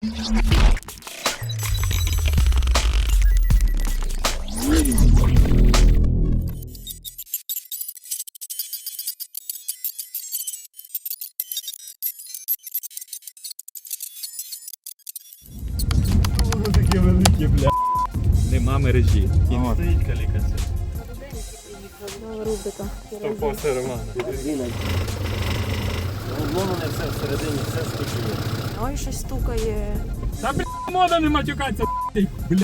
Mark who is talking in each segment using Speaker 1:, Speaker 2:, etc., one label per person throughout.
Speaker 1: Воно таке велике, бля. Нема мережі. І не стоїть калікація.
Speaker 2: Рубрика.
Speaker 1: Стовпоси Романа.
Speaker 3: Обломане все всередині, все скочує.
Speaker 2: Ой, щось стукає.
Speaker 1: Та бля, мода не матюкаться, бля.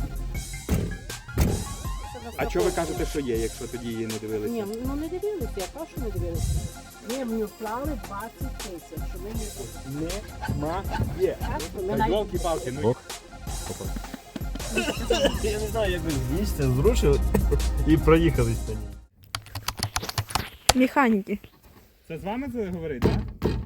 Speaker 1: А чого ви кажете, що є, якщо тоді її не дивилися?
Speaker 4: Ні, ну не дивилися, я кажу, що не дивилися. Ми в нього вклали 20 тисяч, що ми не
Speaker 1: Нема є.
Speaker 4: ми навіть...
Speaker 1: Волки-палки, ну.
Speaker 3: Я не знаю, як ви з місця зрушили і проїхались по ній.
Speaker 2: Механіки.
Speaker 1: Це з вами це говорить, так?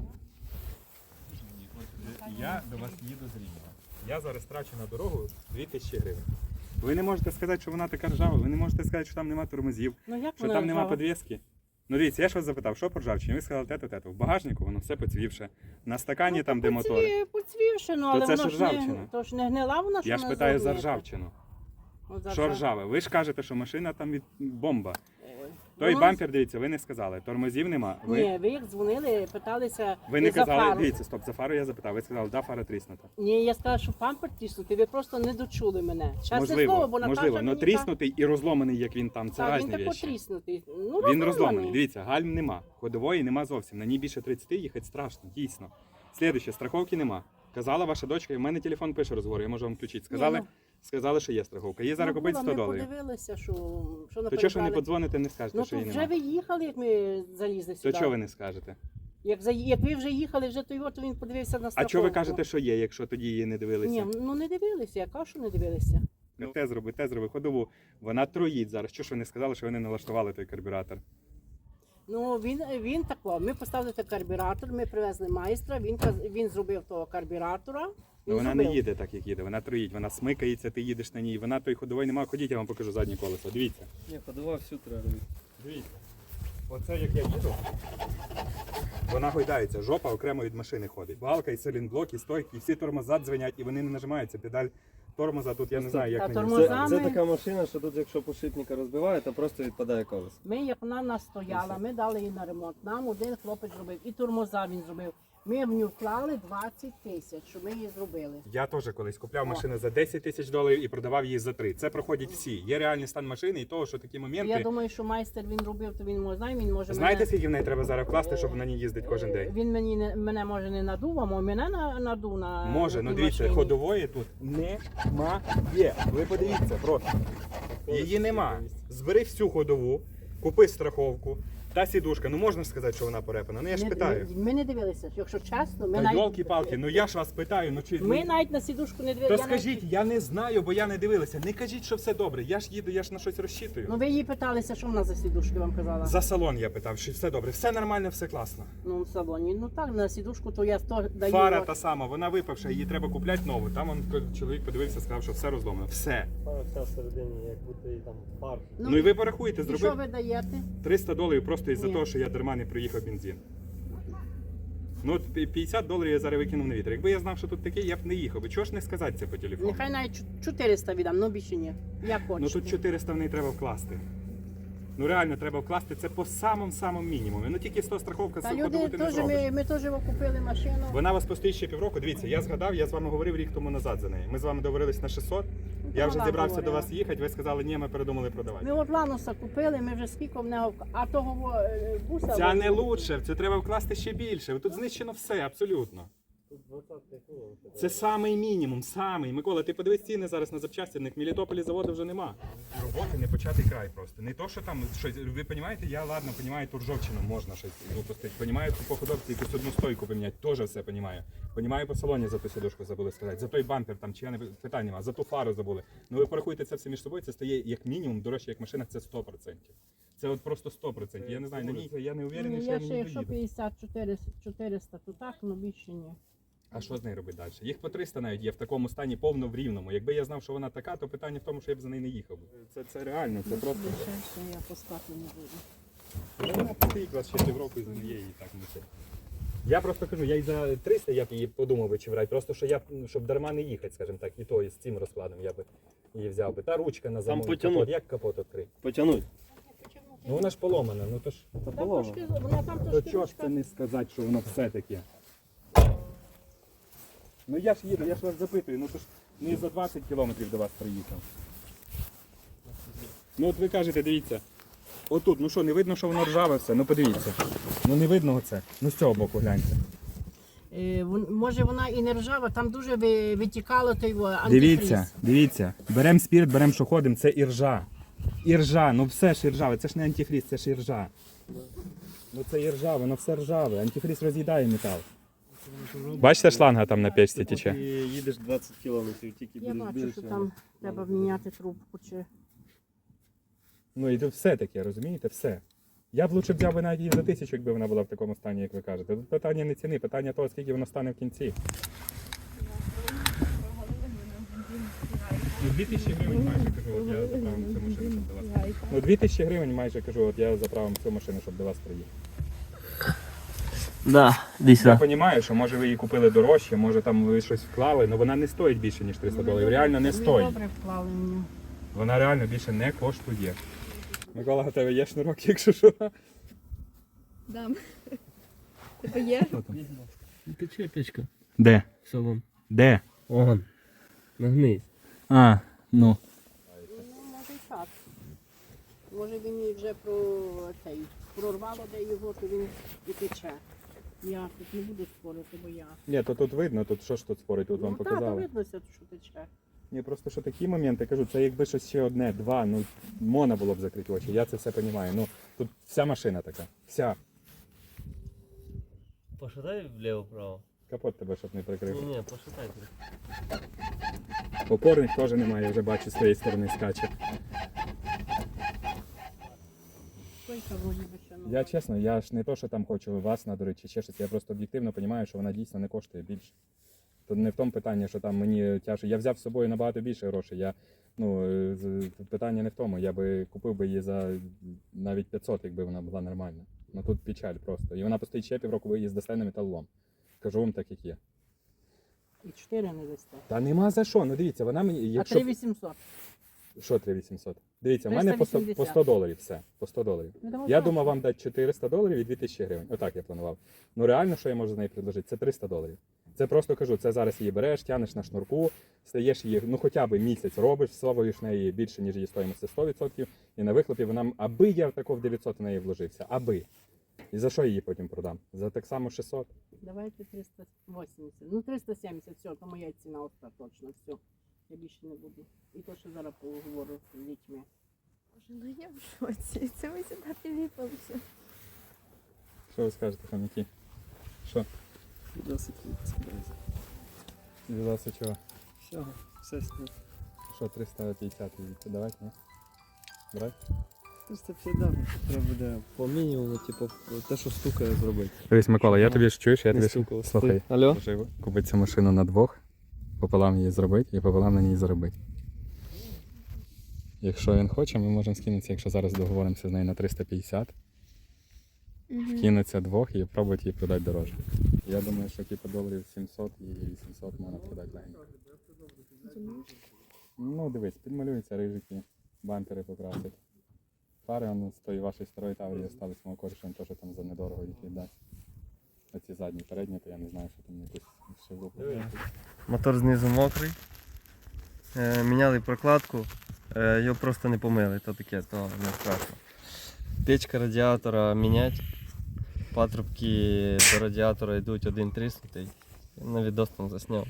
Speaker 1: Я до вас їду з Рівного. Я зараз трачу на дорогу 2000 гривень. Ви не можете сказати, що вона така ржава, ви не можете сказати, що там нема тормозів,
Speaker 4: Ну як
Speaker 1: що
Speaker 4: вона
Speaker 1: там нема
Speaker 4: ржава?
Speaker 1: підвіски. Ну дивіться, я ж вас запитав, що по ржавчині? Ви сказали те-то. В багажнику воно все поцвівше. На стакані там, де мотор.
Speaker 4: Поцвівши, ну але
Speaker 1: це
Speaker 4: воно
Speaker 1: ж
Speaker 4: ж не,
Speaker 1: ржавчина.
Speaker 4: то ж не гнила вона, що
Speaker 1: Я ж
Speaker 4: вона
Speaker 1: питаю за
Speaker 4: зробила.
Speaker 1: ржавчину.
Speaker 4: От за
Speaker 1: Що
Speaker 4: ржав-
Speaker 1: ржаве? Ви ж кажете, що машина там від бомба. Той
Speaker 4: Воно-
Speaker 1: бампер, дивіться, ви не сказали. Тормозів нема.
Speaker 4: Ні, ви як дзвонили, питалися
Speaker 1: Ви не
Speaker 4: за
Speaker 1: казали,
Speaker 4: фару.
Speaker 1: дивіться, стоп, за фару я запитав. Ви сказали, да, фара тріснута.
Speaker 4: Ні, я сказала, що пампер тріснутий, ви просто не дочули мене. Чесне слово, бо Наташа
Speaker 1: можливо, але
Speaker 4: мені
Speaker 1: тріснутий і розломаний, як він там, це
Speaker 4: так, він
Speaker 1: різні
Speaker 4: тако
Speaker 1: речі.
Speaker 4: тріснутий. Ну,
Speaker 1: Він
Speaker 4: розломаний.
Speaker 1: розломаний. Дивіться, гальм нема, ходової нема зовсім. На ній більше 30 їхати страшно, дійсно. Слідуще, страховки нема. Казала ваша дочка, і в мене телефон пише розговор, я можу вам включити. Сказали, що є страховка. Її зараз
Speaker 4: Ну,
Speaker 1: купить
Speaker 4: було,
Speaker 1: 100
Speaker 4: ми
Speaker 1: доларів.
Speaker 4: подивилися, що
Speaker 1: То чого ж ви не подзвоните, не скажете,
Speaker 4: Ну,
Speaker 1: що
Speaker 4: то
Speaker 1: її
Speaker 4: вже
Speaker 1: нема?
Speaker 4: ви їхали, як ми залізли
Speaker 1: То
Speaker 4: сюди.
Speaker 1: чого ви не скажете?
Speaker 4: Як ви вже їхали, вже то його, то він подивився на страховку.
Speaker 1: А чого ви кажете, що є, якщо тоді її не дивилися?
Speaker 4: Ні, ну не дивилися, я кажу, що не дивилися.
Speaker 1: Те зроби, ходову. Вона троїть зараз. Чого ж ви не сказали, що вони налаштували той карбюратор?
Speaker 4: Ну він тако. Ми поставили той карбюратор, ми привезли майстра, він зробив того карбюратора.
Speaker 1: Ну,
Speaker 4: він
Speaker 1: вона не
Speaker 4: зробив.
Speaker 1: їде так, як їде, вона троїть, вона смикається, ти їдеш на ній, вона той ходової немає. Ходіть, я вам покажу заднє колесо. Дивіться.
Speaker 3: Ні, ходова всю треба робити.
Speaker 1: Дивіться. Оце як я їду, вона гойдається, жопа окремо від машини ходить. Балка і силінблок, і стойки, і всі тормоза дзвенять, і вони не нажимаються. Педаль тормоза тут я не знаю, як
Speaker 4: Та
Speaker 1: на
Speaker 4: тормоза-
Speaker 1: ній.
Speaker 3: Це
Speaker 4: ми-
Speaker 3: така машина, що тут якщо подшипника розбиває, то просто відпадає колесо.
Speaker 4: Ми, як вона нас стояла, ми дали її на ремонт. Нам один хлопець зробив, і тормоза він зробив. Ми в нього вклали 20 тисяч, щоб ми її зробили.
Speaker 1: Я теж колись купляв машину за 10 тисяч доларів і продавав її за 3. Це проходять всі. Є реальний стан машини і того, що такі моменти.
Speaker 4: Я думаю, що майстер він робив, то він може знає, він може
Speaker 1: Знаєте,
Speaker 4: мене...
Speaker 1: скільки в неї треба зараз вкласти, щоб на ній їздити кожен день?
Speaker 4: Він мене може не надув, а мене надув на
Speaker 1: Може,
Speaker 4: на
Speaker 1: ну
Speaker 4: тій
Speaker 1: дивіться,
Speaker 4: машині.
Speaker 1: ходової тут немає. Ви подивіться просто. Її нема. Збери всю ходову, купи страховку. Та сідушка, ну можна сказати, що вона порепана. Ну я ж питаю.
Speaker 4: Ми не дивилися, якщо чесно, ми
Speaker 1: Та
Speaker 4: навіть...
Speaker 1: йолки-палки, ну я ж вас питаю, ну чи...
Speaker 4: Ми навіть на сідушку не дивилися.
Speaker 1: То скажіть, я не знаю, бо я не дивилася. Не кажіть, що все добре. Я ж їду, я ж на щось розчитую.
Speaker 4: Ну ви її питалися, що вона за сідушки вам казала?
Speaker 1: За салон я питав, що все добре. Все нормально, все класно.
Speaker 4: Ну в салоні. Ну так, на сідушку то я то даю.
Speaker 1: Фара та сама, вона випавша, її треба купляти нову. Там чоловік подивився, сказав, що все розломано. Все.
Speaker 3: Фара вся всередині, як будто і там фар.
Speaker 1: Ну і ви порахуєте,
Speaker 4: І що
Speaker 1: зробив
Speaker 4: ви даєте?
Speaker 1: 300 доларів просто із-за
Speaker 4: Ні.
Speaker 1: того, що я дарма не проїхав бензин. Ну от 50 доларів я зараз викинув на вітер. Якби я знав, що тут таке, я б не їхав. Чого ж не сказати це по телефону?
Speaker 4: Нехай навіть 400 віддам, ну більше ні. Як
Speaker 1: Ну
Speaker 4: хочете.
Speaker 1: тут 400 в неї треба вкласти. Ну реально треба вкласти це по самому мінімуму. Ну тільки 100 страховка,
Speaker 4: Та
Speaker 1: ходову
Speaker 4: люди
Speaker 1: ти не
Speaker 4: теж,
Speaker 1: зробиш.
Speaker 4: ми теж купили машину.
Speaker 1: Вона вас постоїть ще півроку. Дивіться, я згадав, я з вами говорив рік тому назад за неї. Ми з вами договорились на 600. Я вже
Speaker 4: вона
Speaker 1: зібрався до
Speaker 4: говорила.
Speaker 1: вас їхати, ви сказали, ні, ми передумали продавати.
Speaker 4: Ми от Лануса купили, ми вже скільки в нього, а того буса...
Speaker 1: Ця не лучше, це треба вкласти ще більше. Тут знищено все, абсолютно.
Speaker 3: Тут 20 хвилин.
Speaker 1: Це самий мінімум, самий. Микола, ти подивись ціни зараз на запчасті, в Мелітополі заводу вже нема. Роботи не початий край просто. Не то, що там щось, ви розумієте, я ладно, розумію, ту ржавчину можна щось випустити. Понімаю, по ходовці якусь одну стойку поміняти, теж все розумію. Понімаю, по салоні за ту сідушку забули сказати, за той бампер там, чи я не питань нема, за ту фару забули. Ну ви порахуйте це все між собою, це стає як мінімум дорожче, як машина, це 100%. Це от просто 100%. Я не знаю, на ній я не уверений, що я
Speaker 4: Я
Speaker 1: на
Speaker 4: ще
Speaker 1: ній
Speaker 4: якщо
Speaker 1: доїду.
Speaker 4: 50-400, то так, ну більше ні.
Speaker 1: А що з нею робити далі? Їх по 300 навіть є в такому стані повно в рівному. Якби я знав, що вона така, то питання в тому, що я б за нею не їхав. Це реально, це просто.
Speaker 4: Більше я пускати не буду.
Speaker 1: Вона постоїть вас ще півроку і з неї і так несе. Я просто кажу, я і за 300 я б її подумав би чи брати, просто що я, щоб дарма не їхати, скажімо так, і то, і з цим розкладом я би її взяв би. Та ручка на замок,
Speaker 3: потягнуть.
Speaker 1: капот, як капот відкрити?
Speaker 3: Потягнуть.
Speaker 1: Ну вона ж поломана, ну то ж,
Speaker 3: Та
Speaker 4: Там
Speaker 3: полова.
Speaker 4: трошки, вона там
Speaker 1: то
Speaker 4: трошки
Speaker 1: чого ж
Speaker 4: ручка.
Speaker 1: це не сказати, що воно все таке? Ну я ж їду, я ж вас запитую, ну то ж не за 20 кілометрів до вас приїхав. Ну от ви кажете, дивіться, отут, ну що, не видно, що воно ржаве все, ну подивіться. Ну не видно оце, ну з цього боку гляньте.
Speaker 4: Може вона і не ржава, там дуже витікало той антифріз.
Speaker 1: Дивіться, дивіться, беремо спірт, беремо що ходимо, це іржа. Іржа, ну все ж іржаве, це ж не антифріз, це ж іржа. Ну це іржа, воно все ржаве, антифріз роз'їдає метал. Бачите, шланга там на печці
Speaker 3: Ти
Speaker 1: тече?
Speaker 3: їдеш 20 кілометрів, тільки
Speaker 4: Я
Speaker 3: будеш
Speaker 4: бачу, що
Speaker 3: більше.
Speaker 4: там треба міняти трубку. Чи...
Speaker 1: Ну і тут все таке, розумієте, все. Я б лучше взяв би навіть її за 1000, якби вона була в такому стані, як ви кажете. Тут питання не ціни, питання того, скільки воно стане в кінці. Ну 2000 гривень майже кажу, от я заправив цю машину, щоб до вас. Ну 2000 гривень майже кажу, от я заправив цю машину, щоб до вас приїхати.
Speaker 3: Да, десь
Speaker 1: Я розумію, що може ви її купили дорожче, може там ви щось вклали, але вона не стоїть більше, ніж 300 доларів. Реально не
Speaker 4: Ми
Speaker 1: стоїть.
Speaker 4: добре вклали в нього.
Speaker 1: Вона реально більше не коштує. Микола, у тебе є шнурок, якщо що?
Speaker 2: Дам. Тебе є?
Speaker 3: Тече печка.
Speaker 1: Де?
Speaker 3: В салон.
Speaker 1: Де?
Speaker 3: Огонь. Нагнись.
Speaker 1: А, ну.
Speaker 4: Ну, може і так. Може він і вже прорвало де його, то він і тече. Я тут не буду спорити, бо я...
Speaker 1: Ні, то тут видно, тут що ж тут спорить, тут вам
Speaker 4: Ну так,
Speaker 1: показали.
Speaker 4: видно, що тече.
Speaker 1: Ні, просто що такі моменти, кажу, це якби щось ще одне, два, ну можна було б закрити очі, я це все розумію. Ну, тут вся машина така, вся.
Speaker 3: Пошатай вліво-право.
Speaker 1: Капот тебе, щоб не прикрив.
Speaker 3: Ні, пошатай.
Speaker 1: Опорник теж немає, вже бачу, з тієї сторони скаче.
Speaker 4: Стойка вроді би ще нова.
Speaker 1: Я чесно, я ж не то, що там хочу вас надурити чи ще щось, я просто об'єктивно розумію, що вона дійсно не коштує більше. Тут не в тому питанні, що там мені тяжко. Я взяв з собою набагато більше грошей. Питання не в тому. Я би купив би її за навіть 500, якби вона була нормальна. Ну тут печаль просто. І вона постоїть ще півроку, ви її здасте на металолом. Кажу вам так, як є.
Speaker 4: І 4 не дасте.
Speaker 1: Та нема за що. Ну дивіться, вона мені.
Speaker 4: А
Speaker 1: Якщо...
Speaker 4: 3800.
Speaker 1: Що 3800? Дивіться, в мене по 100
Speaker 4: 380.
Speaker 1: доларів все. По 100 доларів.
Speaker 4: Ну, давай
Speaker 1: Я
Speaker 4: так.
Speaker 1: думав вам дати 400 доларів і 2000 гривень. Отак я планував. Ну реально, що я можу з неї предложити? Це 300 доларів. Це просто кажу, це зараз її береш, тянеш на шнурку, стаєш її, ну хоча б місяць робиш, всовуєш неї більше, ніж її стоїмость 100%, і на вихлопі вона, аби я тако в 900 в неї вложився, аби. І за що я її потім продам? За так само 600?
Speaker 4: Давайте 380. Ну 370, все, то моя ціна остаточна, все. Я більше не буду. І то, що зараз поговорю з дітьми.
Speaker 2: Боже, ну я в шоці. Це ми сюди приліпилися.
Speaker 1: Що ви скажете, хомяки? Що?
Speaker 3: Досить відсипається.
Speaker 1: Віддався чого?
Speaker 3: Всього, все сняв.
Speaker 1: Що, 350 їдете? Давайте, ні? Брать?
Speaker 3: 350, треба буде по мінімуму, типу, те, що стукає, зробити.
Speaker 1: Дивись, Микола, я тобі ж чуєш, я
Speaker 3: Не
Speaker 1: тобі
Speaker 3: стукало.
Speaker 1: слухай.
Speaker 3: Алло?
Speaker 1: Можливо, купити цю машину на двох, пополам її зробити і пополам на ній заробити. Якщо він хоче, ми можемо скинутися, якщо зараз договоримося з нею на 350, кинуться двох і пробувати її продати дорожче. Я думаю, що типу доларів 700 і 800 можна продати легенько. Ну дивись, підмалюються рижики, бампери покрасять. Фари он з тої вашої старої таврії остались мого коріша, він теж там за недорого їх віддасть. Оці задні, передні, то я не знаю, що там якусь ще групу.
Speaker 3: Мотор знизу мокрий. Міняли прокладку, його просто не помили, то таке, то не страшно. Печка радіатора мінять. Патрубки до радіатора йдуть один тріснутий. На відос там засняв.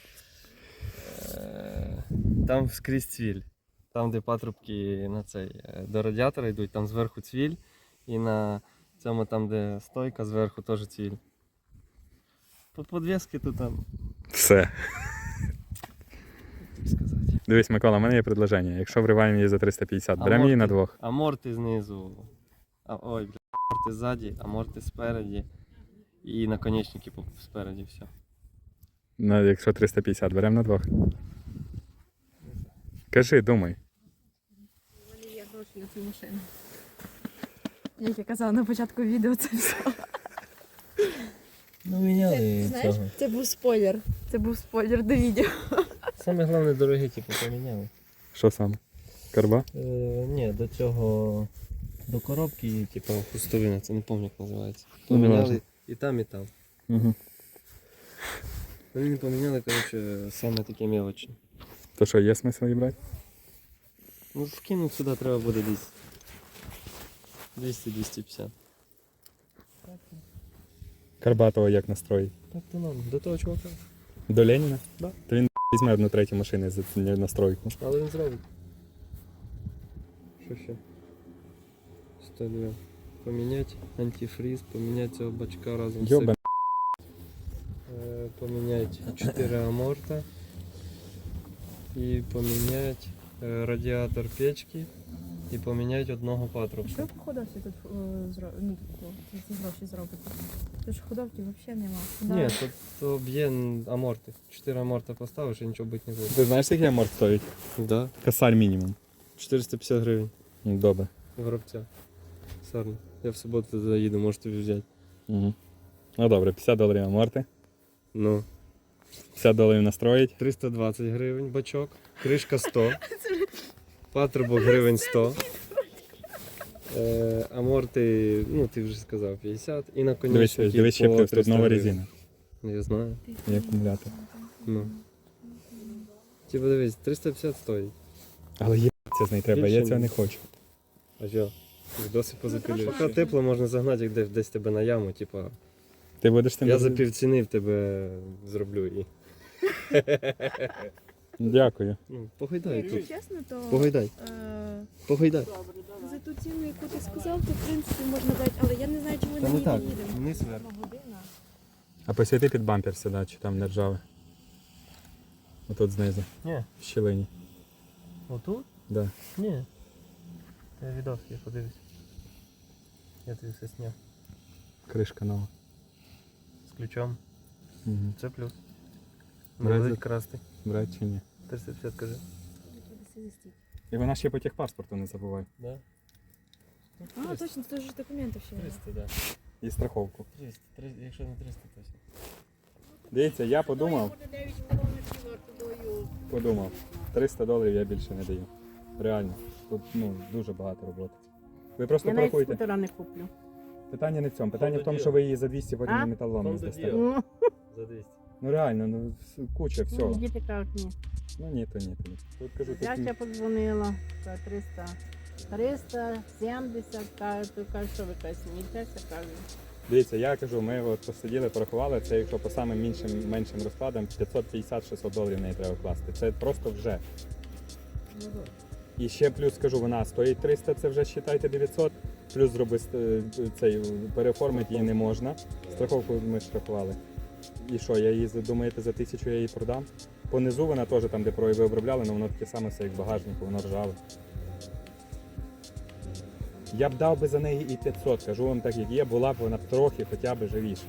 Speaker 3: Там скрізь цвіль. Там, де патрубки на до радіатора йдуть, там зверху цвіль. І на цьому там, де стойка, зверху теж цвіль. По подвески тут там,
Speaker 1: Все.
Speaker 3: так сказати.
Speaker 1: Дивись, Микола, у мене є предложення. Якщо вриваємо її за 350, беремо її на двох.
Speaker 3: Аморти знизу. Аморти ззаді, аморти спереді. І наконечники спереді, все.
Speaker 1: Ну, якщо 350, беремо на двох. Кажи, думай.
Speaker 2: У мене є гроші на цю машину. Як я казала на початку відео, це все.
Speaker 3: Ну, міняли
Speaker 2: Знаєш,
Speaker 3: цього.
Speaker 2: це був спойлер. Це був спойлер до відео.
Speaker 3: Саме головне дороги, типу, поміняли.
Speaker 1: Що саме? Карба?
Speaker 3: Ні, до цього, до коробки, типу, хустовина, це не пам'ятаю, як називається.
Speaker 1: Ну, не
Speaker 3: Поміняли
Speaker 1: важно.
Speaker 3: і там, і там.
Speaker 1: Угу.
Speaker 3: Вони не поміняли, коротше, саме таке мелочне.
Speaker 1: То що, є смисл її брати?
Speaker 3: Ну, вкинути сюди треба буде десь 200-250.
Speaker 1: Карбатова як настроїть?
Speaker 3: Так, то нам, до того чувака.
Speaker 1: До Леніна?
Speaker 3: Да.
Speaker 1: То він візьме одну третю машини за цю настройку.
Speaker 3: Але він зробить. Що ще? 102. Поміняти антифриз, поміняти цього бачка разом з
Speaker 1: Йоба.
Speaker 3: поміняти 4 аморта і поміняти радіатор печки і поміняти одного патрубка.
Speaker 2: Що по ходовці тут ці гроші зробити? Тут ж ходовки взагалі нема.
Speaker 3: Ні, то б'є аморти. 4 аморта поставиш і нічого бути не буде.
Speaker 1: Ти знаєш, скільки аморт стоїть?
Speaker 3: Да.
Speaker 1: Косарь мінімум.
Speaker 3: 450 гривень.
Speaker 1: Ну, добре.
Speaker 3: Горобця. Сарно. Я в суботу заїду, можеш тобі взяти.
Speaker 1: Угу. Ну добре, $50 аморти,
Speaker 3: Ну.
Speaker 1: $50 настроїть.
Speaker 3: 320 гривень бачок, кришка 100, патрубок гривень 100, аморти, ну ти вже сказав, 50 і
Speaker 1: Дивись,
Speaker 3: наконечники
Speaker 1: дивись ще
Speaker 3: по
Speaker 1: плюс, тут
Speaker 3: 300
Speaker 1: нова
Speaker 3: гривень.
Speaker 1: резина.
Speaker 3: Я знаю,
Speaker 1: І акумулятор.
Speaker 3: ну. Типа дивись, 350 стоїть.
Speaker 1: Але є з неї треба, я
Speaker 3: Більше
Speaker 1: цього
Speaker 3: ні.
Speaker 1: не хочу.
Speaker 3: А що? Досі позапилюєш. Поки тепло можна загнати як десь тебе на яму, типа.
Speaker 1: Ти будеш тим.
Speaker 3: Я за півціни в тебе зроблю і.
Speaker 1: Дякую.
Speaker 3: Ну, погойдай
Speaker 2: Якщо
Speaker 3: тут.
Speaker 2: чесно, то
Speaker 3: Погойдай, погойдай.
Speaker 4: Добре, давай.
Speaker 2: за ту ціну, яку ти сказав, то в принципі можна дати, але я не знаю, чи ми
Speaker 3: Та
Speaker 2: на
Speaker 3: не
Speaker 2: ній
Speaker 3: так,
Speaker 2: доїдемо.
Speaker 3: вниз вверх.
Speaker 2: Година.
Speaker 1: А посвіти під бампер сюди, чи там не ржаве. Отут знизу,
Speaker 3: Ні,
Speaker 1: в щілині.
Speaker 3: отут?
Speaker 1: Да.
Speaker 3: Ні. Я відос, я подивлюсь. Я тобі все сняв.
Speaker 1: Кришка нова.
Speaker 3: З ключом.
Speaker 1: Угу.
Speaker 3: Це плюс.
Speaker 1: Брать
Speaker 3: Не
Speaker 1: за-
Speaker 3: будуть красти.
Speaker 1: Брать чи ні?
Speaker 3: 350 кажи.
Speaker 1: І вона ще по техпаспорту не забувай.
Speaker 3: Да?
Speaker 2: А, точно, це ж документи ще.
Speaker 3: 300, да.
Speaker 1: І страховку.
Speaker 3: 300, якщо не 300, то все.
Speaker 1: Дивіться, я подумав,
Speaker 4: Буде 9 кілометрів ортодою.
Speaker 1: $300 я більше не даю. Реально. Тут дуже багато роботи. Ви просто
Speaker 4: Я навіть
Speaker 1: порахуйте.
Speaker 4: скутера не куплю.
Speaker 1: Питання не в цьому. Питання в тому, що ви її за 200 потім
Speaker 4: А?
Speaker 1: на металолом не
Speaker 3: Фонд
Speaker 1: здасте.
Speaker 3: діяв.
Speaker 4: Ну,
Speaker 3: За 200.
Speaker 1: Ну реально, куча
Speaker 4: ну,
Speaker 1: всього.
Speaker 4: діти кажуть, ні.
Speaker 1: Ну ні, то ні. Тут кажу,
Speaker 4: Я
Speaker 1: тут
Speaker 4: ще подзвонила за 300. 370, кажуть, то кажуть, що ви кажуть, смієтеся, кажуть.
Speaker 1: дивіться, я кажу, ми от посиділи, порахували, це якщо по самим меншим розкладам, $550-600 в неї треба класти. Це просто вже. І ще плюс скажу, вона стоїть 300, це вже вважайте 900, плюс цей переоформити її не можна. Страховку ми штрафували. І що, я її думаєте, за 1000 я її продам? Понизу вона теж там, де ви обробляли, але воно таке саме все, як в багажнику, воно ржаве. Я б дав би за неї і 500, кажу вам так, як є, була б вона трохи хоча б живіша.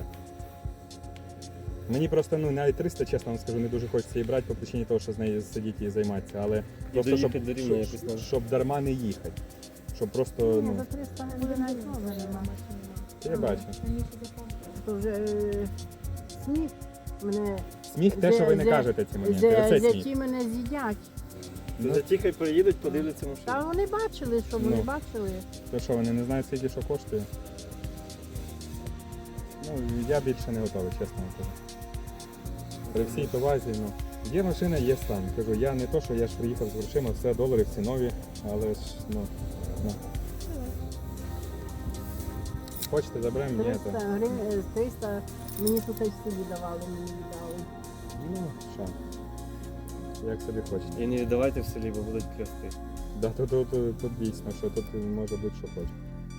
Speaker 1: Мені просто навіть 300, чесно вам скажу, не дуже хочеться її брати по причині того, що з нею сидіти і займатися, але просто щоб,
Speaker 3: доїхати до Рівна якось надо.
Speaker 1: щоб дарма не їхати. Щоб просто,
Speaker 4: Ну, за 300 не буде навіть нема.
Speaker 1: я бачу.
Speaker 4: То вже сміх мене,
Speaker 1: Сміх те, що ви не кажете ці моменти, оце сміх.
Speaker 4: зяті мене з'їдять.
Speaker 3: Ну, за хай приїдуть, подивляться машину.
Speaker 4: Та вони бачили, що вони
Speaker 1: Ну.
Speaker 4: бачили.
Speaker 1: То що, вони не знають скільки що коштує? Ну, я більше не готовий, чесно вам кажу. При всій повазі, є машина, є стан. Кажу, я не то, що я ж приїхав з грошима, все долари всі нові, але ж, Хочете, заберемо? Ні,
Speaker 4: 300
Speaker 1: то.
Speaker 4: гривень, 300 мені тут і в селі давали, мені віддали.
Speaker 1: Ну, що? Як собі хочете.
Speaker 3: І не віддавайте в селі, бо будуть клясти.
Speaker 1: Да, тут дійсно, що тут може бути, що хоче.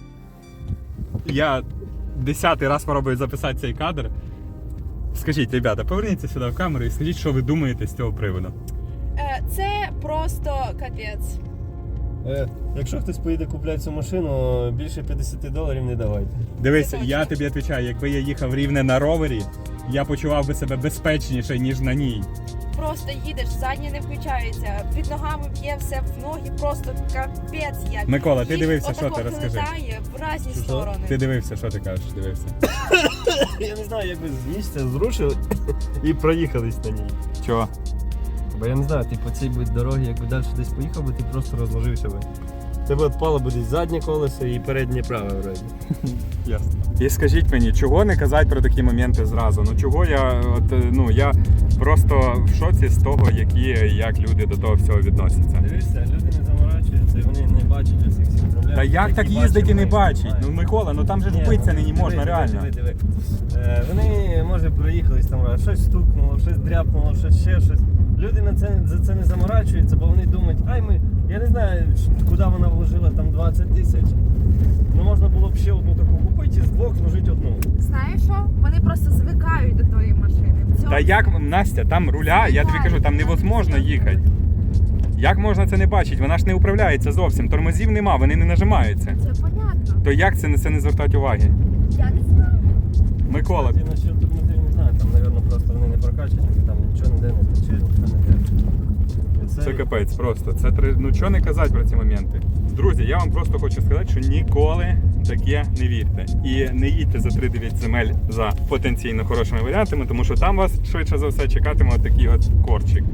Speaker 1: Я 10-й раз спробую записати цей кадр. Скажіть, ребята, поверніться сюди в камеру і скажіть, що ви думаєте з цього приводу.
Speaker 2: Це просто капець.
Speaker 3: Якщо хтось поїде купляти цю машину, більше $50 не давайте.
Speaker 1: Дивись,
Speaker 2: Це
Speaker 1: я
Speaker 2: точно.
Speaker 1: тобі відповідаю, якби я їхав рівне на ровері, я почував би себе безпечніше, ніж на ній.
Speaker 2: Просто їдеш, задні не включаються, під ногами б'є все в ноги, просто капець як.
Speaker 1: Микола, ти
Speaker 2: Їх
Speaker 1: дивився, що
Speaker 2: отако
Speaker 1: ти розкажи?
Speaker 2: хилитає в різні сторони.
Speaker 1: Ти дивився, що ти кажеш, дивився.
Speaker 3: Я не знаю, як ви з місця зрушили і проїхались на ній.
Speaker 1: Чого?
Speaker 3: Бо я не знаю, ти по цій дорогі, якби далі десь поїхав би, ти просто розложився би. Тебе відпало би десь заднє колесо і переднє праве вроді.
Speaker 1: Ясно. І скажіть мені, чого не казати про такі моменти зразу? Ну чого я просто в шоці з того, як люди до того всього відносяться.
Speaker 3: Дивишся, люди не заморачуються і вони не бачать усіх всіх проблем.
Speaker 1: Та як так
Speaker 3: які
Speaker 1: їздить і не
Speaker 3: бачимо ми.
Speaker 1: бачить? Ну Микола, ну там же ж вбитися нині можна, реально.
Speaker 3: Диви. Вони, може, проїхались там, щось стукнуло, щось дряпнуло, щось ще щось. Люди за це не заморачуються, бо вони думають, я не знаю, куди вона вложила там 20 тисяч. Ну можна було б ще одну таку купити і з двох зложити одну.
Speaker 2: Знаєш що? Вони просто звикають до тої машини. В цьому
Speaker 1: Та як, Настя, там руля, я тобі кажу, там невозможно їхати. Як можна це не бачити? Вона ж не управляється зовсім, тормозів нема, вони не нажимаються.
Speaker 2: це понятно.
Speaker 1: То як це не звертати уваги?
Speaker 2: Я не знаю.
Speaker 1: Микола,
Speaker 3: Кстати, насчет тормозів не знаю, там, мабуть, просто вони не прокачані, там нічого ніде не тече, нічого не тече.
Speaker 1: це капець просто. Ну що не казати про ці моменти? Друзі, я вам просто хочу сказати, що ніколи таке не вірте. І не їдьте за 3-9 земель за потенційно хорошими варіантами, тому що там вас швидше за все чекатиме отакий от корчик.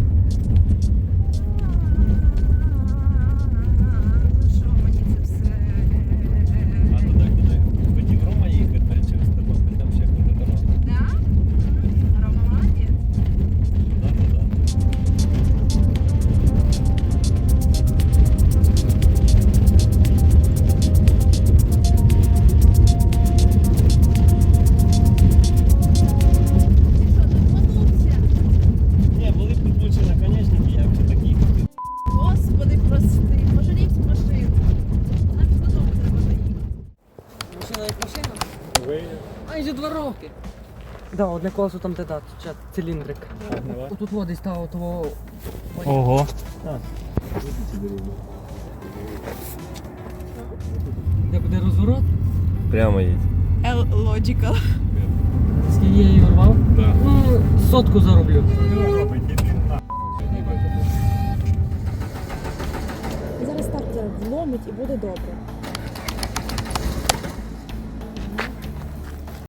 Speaker 2: Що мені це все?
Speaker 3: А туди, куди хотів Рома їхати через Тернопіль, там ще хуже дорога.
Speaker 2: Да? Рома молодець.
Speaker 3: Туди. Ні, були підключені наконечники, як же так їхати.
Speaker 2: Господи, прости, пожаліть машину. Нам ж додому треба доїхати.
Speaker 5: Машина як машина? Майже 2 роки. Да, одне колесо там де циліндрик. Тут води стало того.
Speaker 3: Ого.
Speaker 5: Де буде розворот?
Speaker 3: Прямо їдь.
Speaker 2: Logical.
Speaker 5: Скільки я її урвав?
Speaker 1: Да.
Speaker 5: Ну, 100 зароблю.
Speaker 2: Зараз так вломить і буде добре.